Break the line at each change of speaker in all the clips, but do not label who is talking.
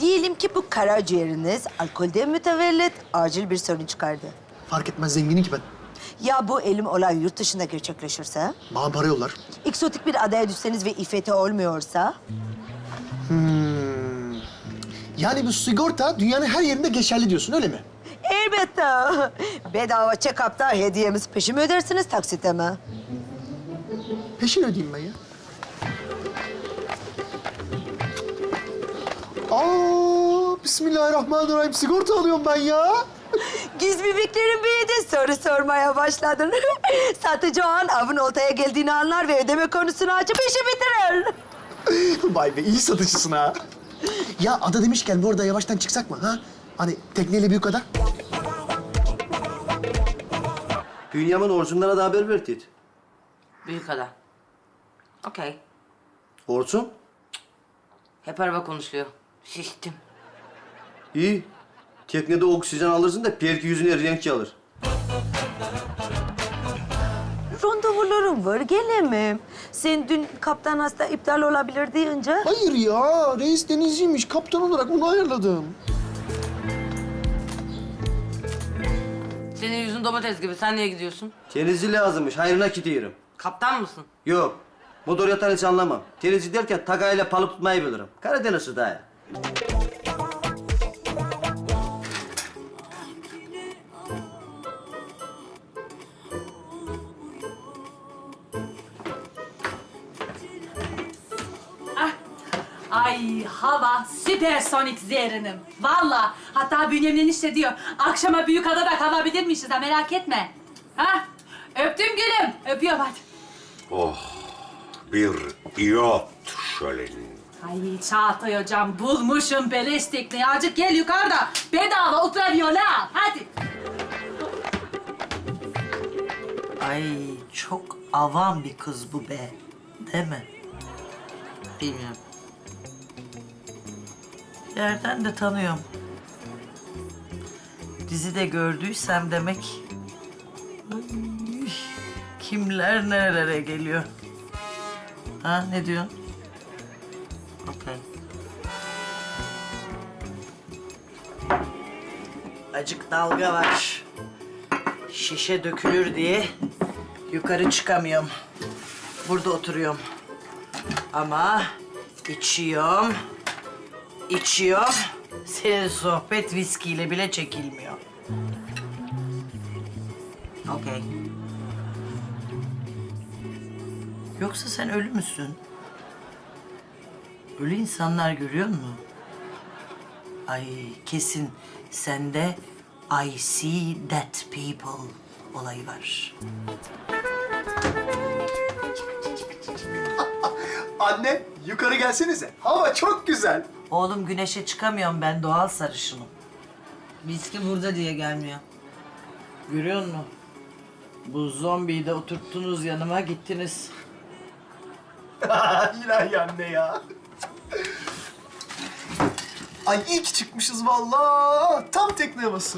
Diyelim ki bu karaciğeriniz alkolden mütevellit acil bir sorun çıkardı.
Fark etmez, zenginim ki ben.
Ya bu elim olay yurt dışında gerçekleşirse?
Bana para yollar.
Eksotik bir adaya düşseniz ve İFT olmuyorsa?
Yani bu sigorta dünyanın her yerinde geçerli diyorsun, öyle mi?
Elbette. Bedava check-up'ta hediyemiz peşin mi ödersiniz, taksite mi?
Peşin ödeyeyim ben ya. Bismillahirrahmanirrahim. Sigorta alıyorum ben ya.
Giz bebeklerin büyüdü, soru sormaya başladın. Satıcı o an avın oltaya geldiğini anlar ve ödeme konusunu açıp işi bitirir.
Vay be, iyi satışçısın ha. Ya ada demişken bu arada yavaştan çıksak mı ha? Hani tekneyle büyük ada.
Bünyamin Orçunlara da haber ver Tit.
Büyük ada. Okey.
Orçun?
Hep araba konuşuyor. Şiştim.
İyi. Teknede oksijen alırsın da belki yüzüne renk alır.
Randevularım var, gelemem. Sen dün kaptan hasta iptal olabilir deyince...
Hayır ya, reis denizciymiş. Kaptan olarak onu ayarladım.
Senin yüzün domates gibi. Sen niye gidiyorsun?
Denizci lazımmış, hayrına gidiyorum.
Kaptan mısın?
Yok, motor yatan hiç anlamam. Denizci derken takayla balık tutmayı bilirim. Karadeniz'i daha iyi.
Ay hava süpersonik zehrinim. Vallahi hatta Bünyamin enişte diyor akşama Büyükada'da kalabilirmişiz ha merak etme. Ha? Öptüm gülüm. Öpüyorum hadi.
Bir iyot şöleni.
Ay Çağatay hocam bulmuşum beleş tekneyi. Azıcık gel yukarıda bedava ultraviyola. Hadi.
Ay çok avam bir kız bu be. Değil mi?
Bilmiyorum.
Yerden de tanıyorum. Dizide gördüysem demek... Ay, kimler nerelere geliyor? Ha ne diyorsun?
Okey.
Acık dalga var. Şişe dökülür diye yukarı çıkamıyorum. Burada oturuyorum. Ama içiyorum. Senin sohbet viskiyle bile çekilmiyor.
Okey.
Yoksa sen ölü müsün? Ölü insanlar görüyor musun? Ay kesin sende I see dead people olayı var.
Anne, yukarı gelsenize. Hava çok güzel.
Oğlum güneşe çıkamıyorum ben doğal sarışınım.
Viski burada diye gelmiyor.
Görüyor musun? Bu zombiyi de oturttunuz yanıma gittiniz.
İlahi anne ya. Ay iyi ki çıkmışız vallahi. Tam tekne havası.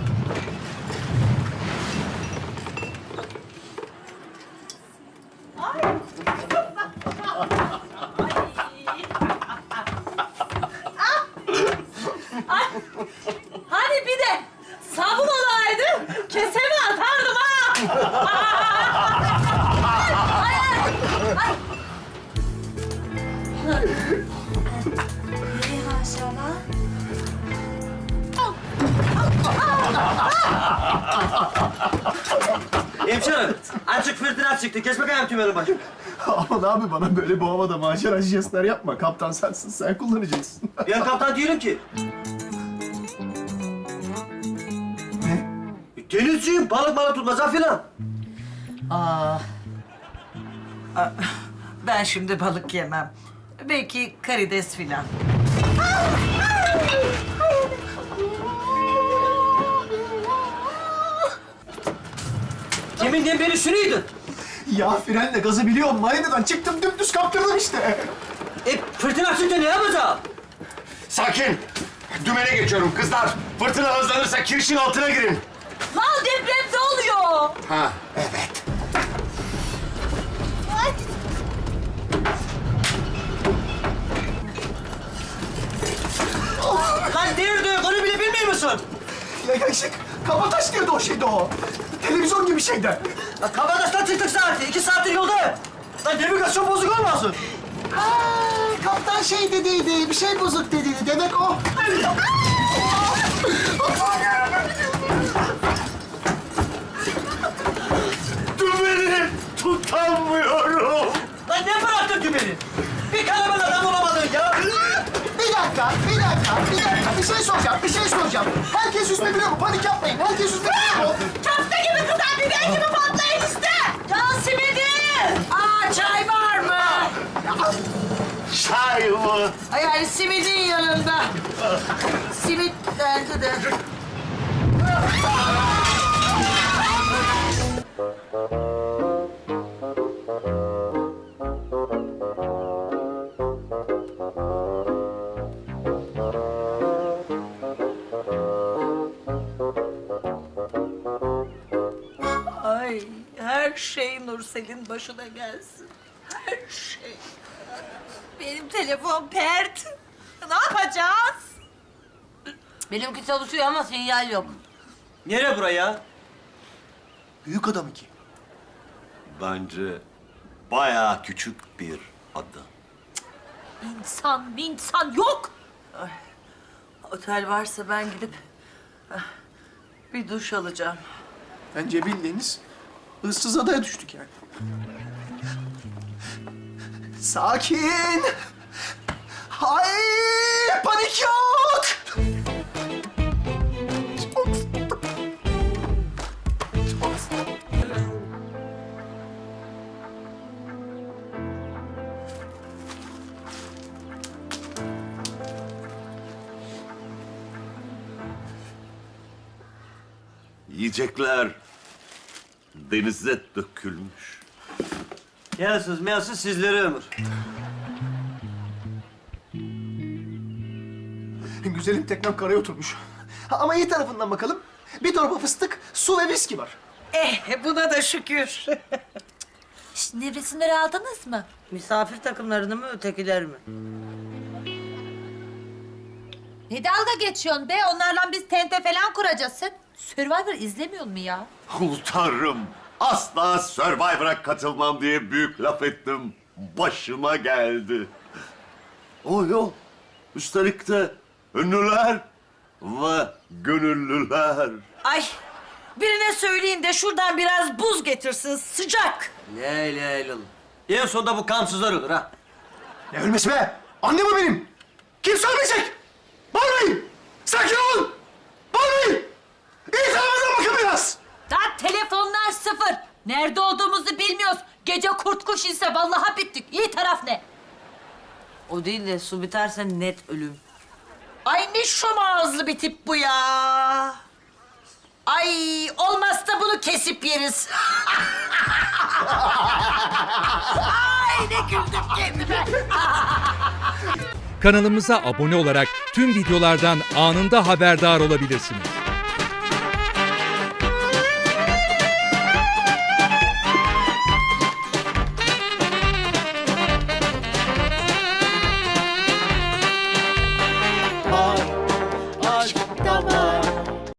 Hani bir de sabun olaydı keseme atardım ha.
Hemşerim, açık fırtına çıktı. Kes bakayım tümerin başı.
Aman abi bana böyle bu havada macera jestler yapma. Kaptan sensin, sen kullanacaksın.
Ben kaptan değilim ki.
Ne?
Denizciyim, balık tutmaz filan.
Ben şimdi balık yemem. Belki karides filan.
Deminden beri şunuydun.
Ya frenle gazı biliyorum. Maydadan çıktım dümdüz kaptırdım işte.
Fırtına çıktı ne yapacağım?
Sakin. Dümene geçiyorum kızlar. Fırtına hızlanırsa kirişin altına girin.
Lan depremde oluyor.
Ha, evet.
musun?
Ya ışık, kabataş diyordu o şeyde o. Televizyon gibi şeyden.
Ya Kabataş'tan çıktık saati. 2 saattir yoldayım. Lan navigasyon bozuk olmasın?
Kaptan şey dediydi, bir şey bozuk dediydi. Demek o.
Dümeni tutamıyorum.
Lan ne bıraktın ki beni? Bir kalabalık adam olamadın ya.
Bir dakika. Bir şey soracağım. Herkes yüzme biliyor mu? Panik yapmayın. Herkes yüzme biliyor mu?
Köfte gibi kızar, biber gibi patlayın işte. Can simidi. Aa, çay var mı?
Çay mı?
Yani simidin yanında. Simit bence de. Ay her şey Nursel'in başına gelsin. Her şey.
Benim telefon pert. Ne yapacağız?
Benimki çalışıyor ama sinyal yok.
Nere buraya?
Büyük adam iki.
Bence bayağı küçük bir ada.
İnsan yok.
Otel varsa ben gidip bir duş alacağım.
Bence bildiğiniz ıssız adaya düştük yani. Sakin. Ay, panik yok.
Yiyecekler denize dökülmüş.
Yelsiniz meyelsiniz sizlere ömür.
Güzelim teknem karaya oturmuş. Ama iyi tarafından bakalım. Bir torba fıstık, su ve viski var.
Buna da şükür.
Nevresimleri aldınız mı?
Misafir takımlarını mı ötekiler mi?
Ne dalga geçiyorsun be? Onlarla biz tente falan kuracağız. Sen Survivor izlemiyor mu ya?
Tanrım, asla Survivor'a katılmam diye büyük laf ettim. Başıma geldi. O yok. Üstelik de ünlüler ve gönüllüler.
Ay birine söyleyin de şuradan biraz buz getirsin sıcak.
La ilahe illallah. En sonunda bu kansızlar olur ha.
Ne ölmesi be? Annem o benim. Kimse ölmeyecek. Bağırmayın. Sakin olun. Bağırmayın. İyi tarafınıza bakın biraz.
Daha telefonlar sıfır. Nerede olduğumuzu bilmiyoruz. Gece kurt kuş inse vallahi bittik. İyi taraf ne?
O değil de su biterse net ölüm.
Ay ne şom ağızlı bir tip bu ya. Ay olmazsa bunu kesip yeriz. Ay ne güldüm kendime.
Kanalımıza abone olarak tüm videolardan anında haberdar olabilirsiniz.